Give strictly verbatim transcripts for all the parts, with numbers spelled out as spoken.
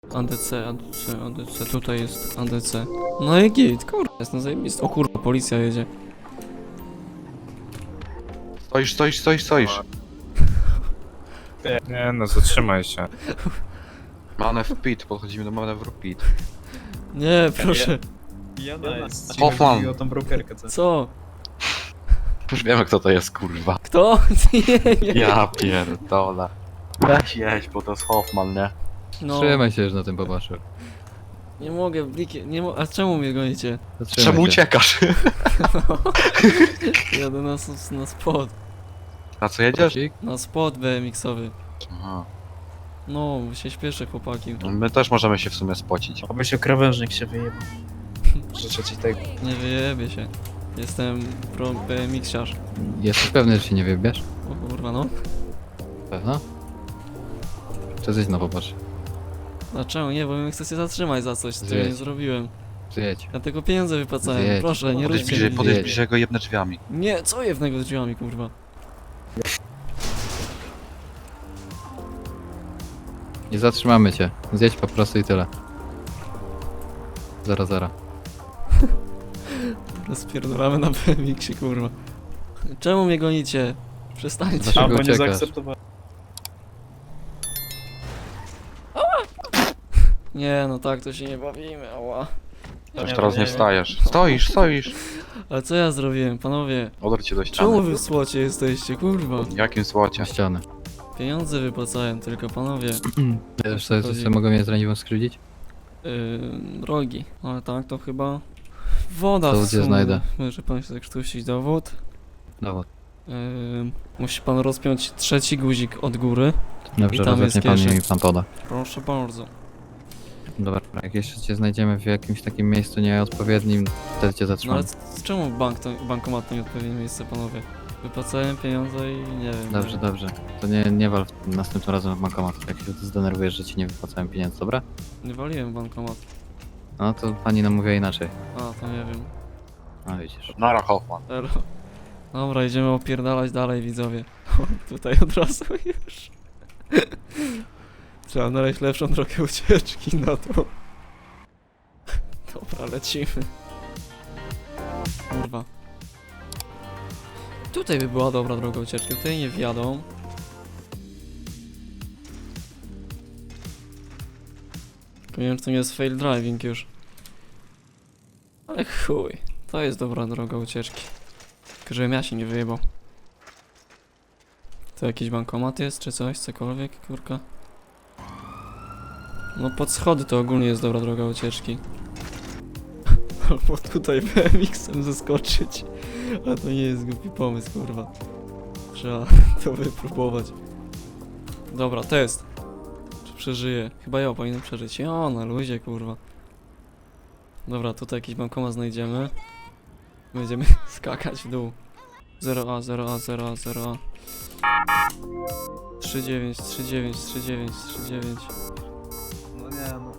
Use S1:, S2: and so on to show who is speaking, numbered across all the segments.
S1: A D C, A D C, A D C, tutaj jest A D C. No i git, kurwa, jest na zajebiste. O kurwa, policja jedzie.
S2: Stoisz, stoisz, stoisz, stoisz.
S3: Nie no, zatrzymaj się.
S2: Manewr pit, podchodzimy do manewru pit.
S1: Nie, proszę.
S4: Jana jest.
S2: Hoffman.
S4: Chodzi o tą brokerkę, co?
S1: Co?
S2: Już wiemy kto to jest, kurwa.
S1: Kto? Nie, nie.
S2: Ja pierdolę. Weź jedź, bo to jest Hoffman, nie?
S1: No,
S5: Trzymaj się, że na tym popatrzył.
S1: nie mogę, bliki, nie mo a czemu mnie gonicie?
S5: Zatrzymaj
S2: Czemu
S5: się.
S2: uciekasz?
S1: Jadę na, s- na spot,
S2: Na co jedziesz?
S5: Kocik?
S1: na spot B M X-owy.
S2: Aha.
S1: No, się śpieszę, chłopaki.
S2: My też możemy się w sumie spocić.
S4: Obyś o krawężnik się wyjebał. Życzę ci tego.
S1: Nie wyjebie się. Jestem pro B M X-siarz.
S5: Jesteś pewny, że się nie wybierz?
S1: O kurwa, no.
S5: Pewno? Czy coś znowu popatrz?
S1: Dlaczego? Nie, bo mnie chcecie zatrzymać za coś, co ja nie
S5: Zjedź.
S1: zrobiłem.
S5: Zjedź.
S1: Ja tylko pieniądze wypłacałem,
S5: Zjedź.
S1: proszę, nie
S2: Podejdź
S1: róbcie
S2: bliżej,
S1: mi.
S2: podejdź
S5: Zjedź.
S2: bliżej, go jebnę drzwiami.
S1: Nie, co jewnego drzwiami, kurwa?
S5: Nie zatrzymamy cię. Zjedź po prostu i tyle. Zero, zero.
S1: Rozpierdolamy na B M X-ie, kurwa. Czemu mnie gonicie? Przestańcie.
S5: Dlaczego
S4: Albo nie
S5: uciekasz?
S4: zaakceptowałem.
S1: Nie, no tak to się nie bawimy, ała.
S2: Już
S4: Nie,
S2: teraz
S4: nie
S2: nie
S4: wiem.
S2: wstajesz. Stoisz, stoisz.
S1: Ale co ja zrobiłem, panowie?
S2: Odwróć się do
S1: Czemu
S2: ściany.
S1: wy w słocie jesteście, kurwa?
S2: W jakim słocie?
S5: Na ścianę.
S1: Pieniądze wypłacałem tylko, panowie.
S5: Wiesz co, co mogą mnie z raniwą skrzywdzić?
S1: Yy, rogi. Ale tak, to chyba... Woda
S5: To
S1: w
S5: gdzie
S1: sumie.
S5: znajdę?
S1: Może pan się zakrztusić dowód.
S5: Dowód.
S1: Yy, musi pan rozpiąć trzeci guzik od góry.
S5: Dobrze,
S1: I tam jest
S5: rozepnie pan
S1: kieszeń.
S5: i mi pan poda.
S1: Proszę bardzo.
S5: Dobra, jak jeszcze cię znajdziemy w jakimś takim miejscu nieodpowiednim, wtedy cię
S1: No ale
S5: zatrzymamy.
S1: c- czemu bank to, bankomat to nieodpowiednie miejsce, panowie? Wypłacałem pieniądze i nie wiem.
S5: Dobrze,
S1: nie.
S5: dobrze. To nie, nie wal następnym razem w bankomat, jak się zdenerwujesz, że ci nie wypłacałem pieniędzy, dobra?
S1: Nie waliłem bankomat.
S5: No to pani nam mówiła inaczej.
S1: A, to nie wiem.
S5: No widzisz.
S2: Nara Hoffman.
S1: Elo. Dobra, idziemy opierdalać dalej, widzowie. Tutaj od razu już. Trzeba znaleźć lepszą drogę ucieczki na to. Dobra, lecimy. Kurwa. Tutaj by była dobra droga ucieczki, tutaj nie wjadą. Tylko nie wiem, czy to nie jest fail driving już. Ale chuj, to jest dobra droga ucieczki. Tylko żebym ja się nie wyjebał. To jakiś bankomat jest, czy coś, cokolwiek, kurka? No pod schody to ogólnie jest dobra droga ucieczki. Albo tutaj B M X-em zeskoczyć. A to nie jest głupi pomysł, kurwa. Trzeba to wypróbować. Dobra, test. Czy przeżyję? Chyba ja powinienem przeżyć. O, na luzie, kurwa. Dobra, tutaj jakiś bankomat znajdziemy. Będziemy skakać w dół. zero A, zero A, zero A, zero A. trzy dziewięć, trzy dziewięć, trzy dziewięć, trzy dziewięć.
S4: No nie no.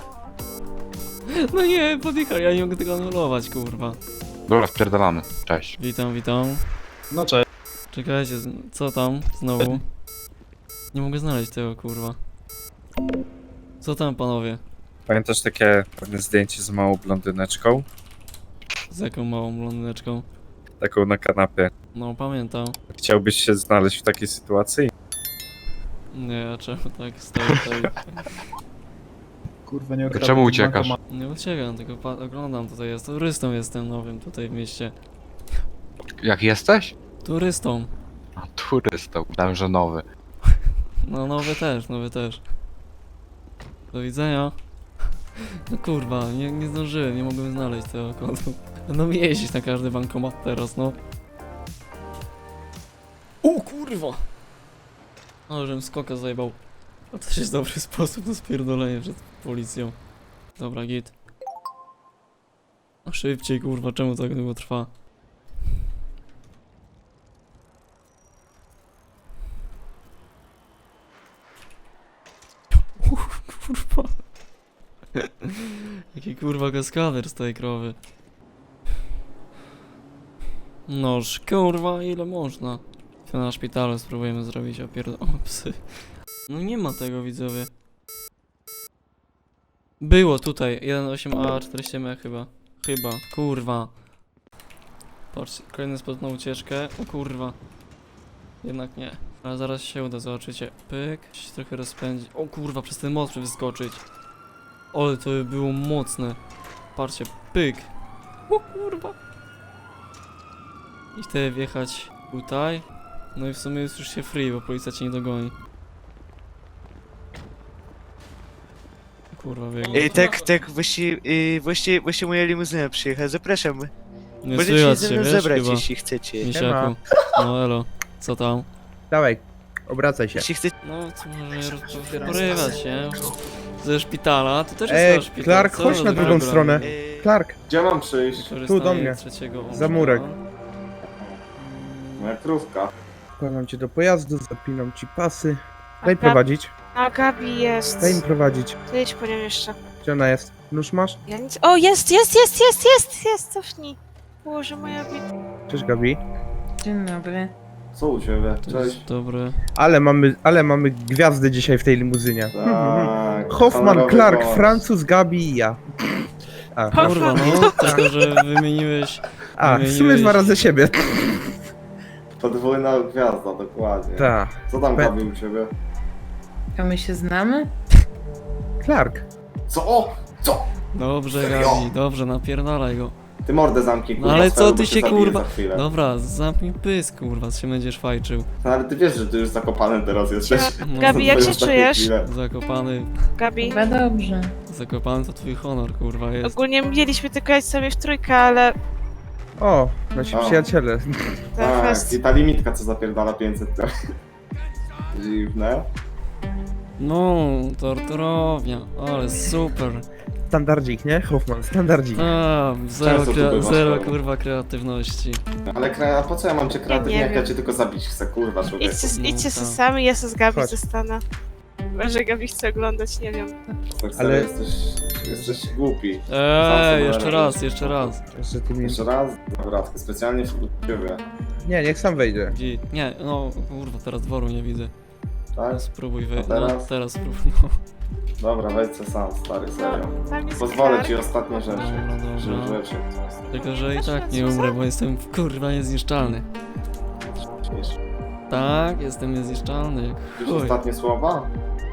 S1: No nie, podjechał, ja nie mogę tego anulować, kurwa.
S2: Dobra, wpierdalamy. Cześć.
S1: Witam, witam.
S4: No cześć.
S1: Czekajcie, z- co tam znowu? Nie mogę znaleźć tego, kurwa. Co tam, panowie?
S3: Pamiętasz takie pewne zdjęcie z małą blondyneczką?
S1: Z jaką małą blondyneczką?
S3: Taką na kanapie.
S1: No, pamiętam.
S3: Chciałbyś się znaleźć w takiej sytuacji?
S1: Nie, a czemu tak stoi tutaj?
S4: Kurwa nie
S2: To
S4: okradł.
S2: czemu uciekasz?
S1: Nie uciekam, tylko pa- oglądam tutaj. Jest turystą, jestem nowym tutaj w mieście.
S2: Jak jesteś?
S1: Turystą.
S2: A, turystą. Dałem, że nowy.
S1: No, nowy też, nowy też. Do widzenia. No kurwa, nie, nie zdążyłem, nie mogłem znaleźć tego kodu. Będą mi jeździć na każdy bankomat teraz, no. O kurwa! Ale żebym skoka zajebał. To też jest dobry sposób na spierdolenie przed policją. Dobra, git. Szybciej, kurwa, czemu tak długo trwa? Uff, kurwa. Jaki kurwa kaskader z tej krowy. Noż, kurwa, ile można? To na szpitalu spróbujemy zrobić opierd... O, psy. No nie ma tego, widzowie. Było tutaj, jeden osiem A, czterdzieści M chyba. Chyba, kurwa. Patrzcie, kolejny spot na ucieczkę. O kurwa. Jednak nie. Ale zaraz się uda, zobaczycie. Pyk. Się trochę rozpędzi. O kurwa, przez ten most wyskoczyć. Ale to by było mocne. Patrzcie, pyk. O kurwa. I wtedy wjechać tutaj. No i w sumie jest już się free, bo policja cię nie dogoni. Kurwa, biegnie.
S6: Ej, tak, tak, właśnie, y, właśnie, właśnie moja limuzyna przyjechała, zapraszam.
S1: Nie
S6: Możecie się
S1: słychać
S6: ze
S1: się,
S6: mną
S1: wiesz,
S6: zabrać,
S1: chyba.
S6: jeśli chcecie.
S1: Misiaku. No elo. Co tam?
S4: Dawaj, obracaj się.
S6: Jeśli chcecie.
S1: No, co może roz- porywać się? Ze szpitala, to też
S4: Ej,
S1: jest szpital.
S4: Clark,
S1: co
S4: chodź
S1: za
S4: na drugą
S1: program?
S4: stronę.
S6: y,
S4: Clark,
S2: Gdzie mam przyjść?
S1: Wykorzystanie
S4: Tu do mnie.
S1: trzeciego
S4: Za murek.
S1: okna.
S2: Moja krówka.
S4: wkładam cię do pojazdu, zapinam ci pasy.
S7: A
S4: Daj
S7: Gab-
S4: prowadzić,
S7: A Gabi jest.
S4: daj im prowadzić.
S7: To jedź po nią jeszcze.
S4: Gdzie ona jest? Nóż masz?
S7: Ja nic... O, jest, jest, jest, jest, jest, jest, cofnij. Boże, moja bit...
S4: Cześć Gabi.
S8: Dzień dobry.
S2: Co u ciebie?
S1: To
S2: Cześć.
S1: jest dobre.
S4: Ale mamy, ale mamy gwiazdy dzisiaj w tej limuzynie.
S2: Tak.
S4: Hoffman,
S2: honorowy
S4: Clark,
S2: gość.
S4: Francuz, Gabi i ja. A,
S1: Kurwa, no, tylko że wymieniłeś.
S4: a w sumie
S1: wymieniłeś-
S4: dwa razy siebie.
S2: Podwójna gwiazda, dokładnie.
S4: Ta.
S2: Co tam
S4: Pe-
S2: Gabi u ciebie?
S8: A my się znamy?
S4: Clark.
S2: Co? O! Co?
S1: Dobrze,
S2: Serio?
S1: Gabi, dobrze, napierdalaj go.
S2: Ty mordę zamknij, kurwa,
S1: No ale
S2: swoją,
S1: co
S2: bo
S1: ty
S2: cię
S1: się,
S2: zabiję
S1: kurwa-
S2: za chwilę.
S1: Dobra, zamknij pysk, kurwa, się będziesz fajczył.
S2: No ale ty wiesz, że ty już zakopany teraz jesteś.
S1: No,
S7: Gabi, jak
S2: To
S7: się
S2: już takie
S7: czujesz?
S2: chwile.
S1: Zakopany,
S7: Gabi.
S8: Chyba dobrze.
S1: zakopany to twój honor, kurwa, jest.
S7: Ogólnie mieliśmy tylko jechać sobie w trójkę, ale...
S4: O, nasi
S2: O.
S4: przyjaciele.
S7: Ta
S2: Tak,
S7: fest...
S2: i ta limitka co zapierdala pięćset to... Dziwne.
S1: No, torturownia, ale super.
S4: Standardzik, nie? Hoffman, standardzik.
S1: A, zero,
S2: Często tu
S1: krea-
S2: bywasz,
S1: zero
S2: Paweł.
S1: kurwa kreatywności.
S2: Ale kre... po co ja mam cię kreatywnie,
S7: nie
S2: jak ja
S7: wiem.
S2: cię tylko zabić chcę, kurwa, człowieku.
S7: Idźcie,
S1: No
S7: idźcie se
S1: tak.
S7: sami, ja se z Gabi
S4: Chodź.
S7: zostanę. Może Gabi chce oglądać, nie wiem.
S2: Tak
S4: Ale-
S2: ale... jesteś... jesteś głupi.
S1: Eee,
S2: sobie
S1: jeszcze
S2: radzisz.
S1: raz, jeszcze raz.
S4: Że ty mi...
S2: Jeszcze raz? Dobra, tylko specjalnie w ciebie.
S4: Nie, niech sam wejdzie.
S1: Gdzie? Nie, no kurwa, teraz dworu nie widzę.
S2: Tak?
S1: No, spróbuj
S2: A
S1: wy... No,
S2: teraz?
S1: teraz spróbuj, no.
S2: Dobra, wejdź se sam, stary, serio.
S7: Tam jest
S2: Pozwolę
S7: Clark.
S2: ci ostatnie rzeczy.
S1: Dobra,
S2: Rzecz
S1: dobra.
S2: rzeczy.
S1: Tylko, że i
S7: Masz
S1: tak
S7: rację,
S1: nie
S7: co?
S1: umrę, bo jestem kurwa niezniszczalny.
S2: Wiesz,
S1: Tak, jestem niezniszczalny.
S2: już
S1: Chuj.
S2: ostatnie słowa?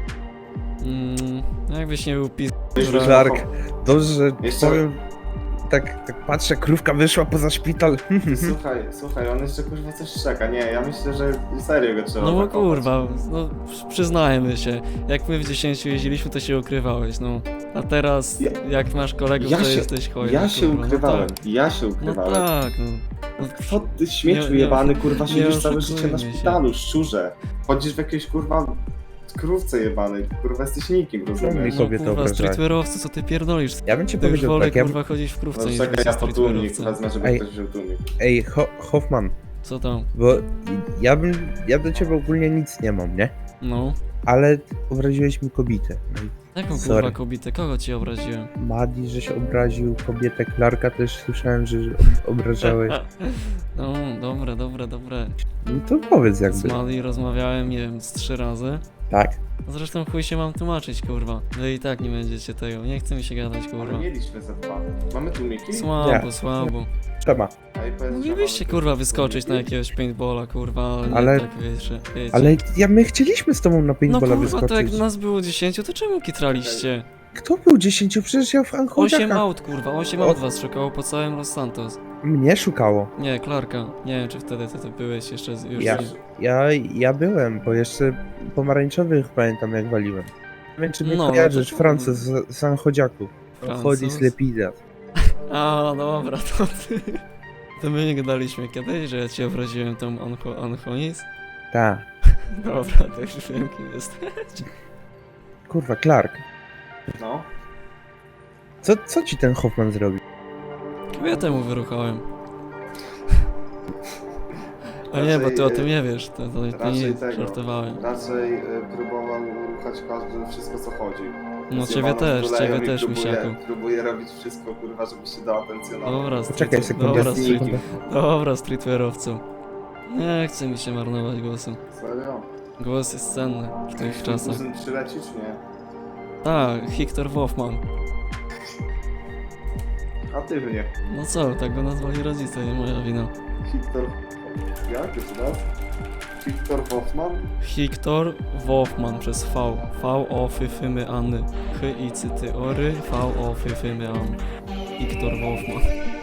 S1: Mm, jakbyś nie był pis...
S2: Myślę, że
S4: Clark.
S2: to-
S4: Dobrze, że
S2: Jeszcze-
S4: powiem... Tak, tak patrzę, krówka wyszła poza szpital.
S2: Słuchaj, słuchaj, on jeszcze kurwa coś czeka. Nie, ja myślę, że serio go trzeba
S1: No bo
S2: zakopać.
S1: kurwa, no przyznajmy się. Jak my w dziesięciu jeździliśmy, to się ukrywałeś, no. A teraz,
S2: Ja-
S1: jak masz kolegów,
S2: ja
S1: to
S2: się-
S1: jesteś hojny,
S2: Ja się
S1: kurwa.
S2: ukrywałem,
S1: No tak,
S2: ja się
S1: no
S2: ukrywałem.
S1: tak, no. no.
S2: Co ty śmieciu
S1: Nie- nie-
S2: jebany, kurwa,
S1: nie
S2: siedzisz całe życie
S1: oszukujmy
S2: na
S1: się.
S2: szpitalu, szczurze. Chodzisz w jakiejś kurwa krówce jebanej, kurwa jesteś nikim, rozumiesz?
S4: mi kobietę
S1: No kurwa,
S4: obrażałeś.
S1: streetwearowcu, co ty pierdolisz?
S4: Ja bym ci
S1: Ty już
S4: powiedział
S1: wolę
S4: tak, ja...
S1: kurwa chodzić w
S2: No
S1: krówce niż
S2: czekaj,
S1: być
S2: ja po tłumnik
S1: streetwearowcem.
S2: wezmę, żeby
S4: Ej.
S2: ktoś wziął tłumnik.
S4: Ej, Ho Hoffman,
S1: Co tam?
S4: bo ja bym... Ja do ciebie ogólnie nic nie mam, nie?
S1: No.
S4: Ale obraziłeś mi kobietę. No i
S1: Jaką kurwa
S4: Sorry.
S1: kobietę? Kogo ci obraziłem?
S4: Madi, że się obraził, kobietę Clarka też słyszałem, że ob- obrażałeś.
S1: No, dobre, dobre, dobre.
S4: No to powiedz
S1: Z
S4: jakby.
S1: Mali rozmawiałem, nie wiem, z trzy razy.
S4: Tak.
S1: Zresztą chuj się mam tłumaczyć, kurwa. No i tak nie będziecie tego, nie chce mi się gadać,
S2: Ale
S1: kurwa.
S2: mieliśmy ze dwa. Mamy tłumiki?
S1: Słabo,
S4: Nie.
S1: słabo.
S4: Trzeba.
S2: Ej, powiedz, że
S1: Moglibyście,
S2: mamy
S1: kurwa, wyskoczyć na
S2: tłumiki?
S1: jakiegoś paintballa, kurwa, ale nie
S4: Ale-
S1: tak, wiecie, wiecie.
S4: Ale ja, my chcieliśmy z tobą na
S1: No
S4: paintballa
S1: kurwa, to jak
S4: wyskoczyć.
S1: nas było dziesięciu, to czemu kitraliście?
S4: Kto był dziesięciu? Przecież ja w
S1: Osiem
S4: Anchodziakach.
S1: aut, kurwa, osiem
S4: O-
S1: aut was szukało po całym Los Santos.
S4: Mnie szukało.
S1: Nie, Clarka. Nie wiem, czy wtedy ty, ty byłeś jeszcze z, już
S4: Ja,
S1: z...
S4: ja, ja byłem, bo jeszcze pomarańczowych pamiętam jak waliłem. Nie wiem czy mnie
S1: No, no
S4: kojarzysz,
S1: to-
S4: Francuz z, z Anchodziaków.
S1: Francuz?
S4: Chodzi z Lepidas.
S1: A, dobra, to ty. To my nie gadaliśmy kiedyś, że ja cię obraziłem tą Ancho, Anchonis?
S4: Tak.
S1: Dobra, to już wiem, kim jest.
S4: Kurwa, Clark.
S2: No.
S4: Co, co ci ten Hoffman zrobił?
S1: Kobietę mu wyruchałem. A nie, bo ty o tym nie wiesz, to, to, to
S2: raczej
S1: nie
S2: tego.
S1: żartowałem.
S2: Raczej y, próbował ruchać każdy wszystko co chodzi.
S1: No ciebie
S2: Zjebano z
S1: też,
S2: tulejem
S1: ciebie
S2: i
S1: też,
S2: próbuje,
S1: misiaku.
S2: Próbuje robić wszystko, kurwa, żeby się dał atencjonować.
S1: Dobra,
S4: Poczekaj
S1: street-
S4: sekundę.
S1: dobra, street,
S4: sekundę.
S1: dobra, streetwearowcu. Nie chce mi się marnować głosu.
S2: Serio?
S1: Głos jest cenny w tych czasach.
S2: Muszę przylecieć, nie?
S1: Tak, Hector Wolfman.
S2: kreatywnie.
S1: No co, tak go nazwali rodzice, nie moja wina.
S2: Wiktor... Jak jeszcze raz? Wiktor Hoffman?
S1: Hiktor Wolfman przez V. V o fyfymy Anny. Hy i cyty ory. V o fyfymy An. Hiktor Wolfman.